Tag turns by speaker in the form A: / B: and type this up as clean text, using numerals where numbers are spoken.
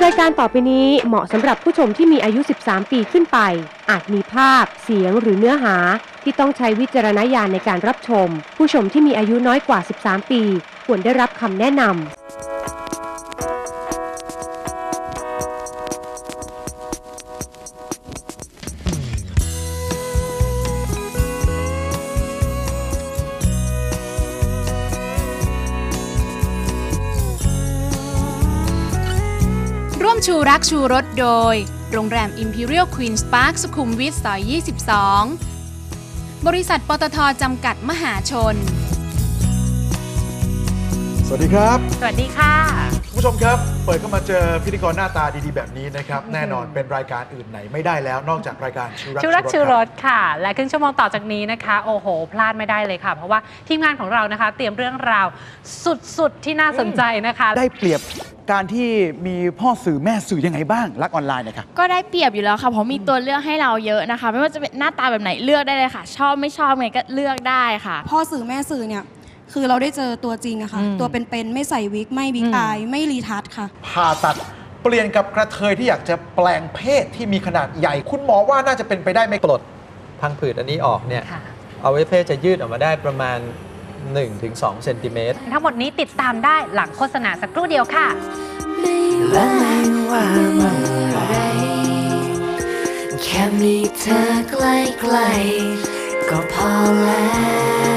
A: รายการต่อไปนี้เหมาะสำหรับผู้ชมที่มีอายุ 13 ปีขึ้นไปอาจมีภาพเสียงหรือเนื้อหาที่ต้องใช้วิจารณญาณในการรับชมผู้ชมที่มีอายุน้อยกว่า 13 ปีควรได้รับคำแนะนำ
B: ร่วมชูรักชูรสโดยโรงแรม Imperial Queen's Park สุขุมวิทซอย 22 บริษัทปตท.จำกัดมหาชน
C: สวัสดีครับ
D: สวัสดีค่ะ
C: คุณผู้ชมครับเปิดเข้ามาเจอพิธีกรหน้าตาดีๆแบบนี้นะครับแน่นอนเป็นรายการอื่นไหนไม่ได้แล้วนอกจากรายการชูรักชูรส
D: ค่ะ และครึ่งชั่วโมงต่อจากนี้นะคะโอ้โหพลาดไม่ได้เลยค่ะเพราะว่าทีมงานของเรานะคะเตรียมเรื่องราวสุดๆที่น่าสนใจนะคะ
E: ได้เปรียบการที่มีพ่อสื่อแม่สื่อยังไงบ้างรักออนไลน์นะครับ
F: ก็ได้เปรียบอยู่แล้วค่ะเพราะมีตัวเลือกให้เราเยอะนะคะไม่ว่าจะเป็นหน้าตาแบบไหนเลือกได้เลยค่ะชอบไม่ชอบไงก็เลือกได้ค่ะ
G: พ่อสื่อแม่สื่อเนี่ยคือเราได้เจอตัวจริงอะค่ะตัวเป็นๆไม่ใส่วิกไม่บิ๊กอายไม่รีทัชค่ะ
C: ผ่าตัดเปลี่ยนกับกระเทยที่อยากจะแปลงเพศที่มีขนาดใหญ่คุณหมอว่าน่าจะเป็นไปได้ไหม
H: ปลดพังผืดอันนี้ออกเนี่ยอวัยวะเพศจะยืดออกมาได้ประมาณ 1-2 เซนติเมตร
D: ทั้งหมดนี้ติดตามได้หลังโฆษณาสักครู่เดียวค่ะ
I: และไม่ว่าเมื่อไรแค่มีเธอใกล้ๆก็พอแล้ว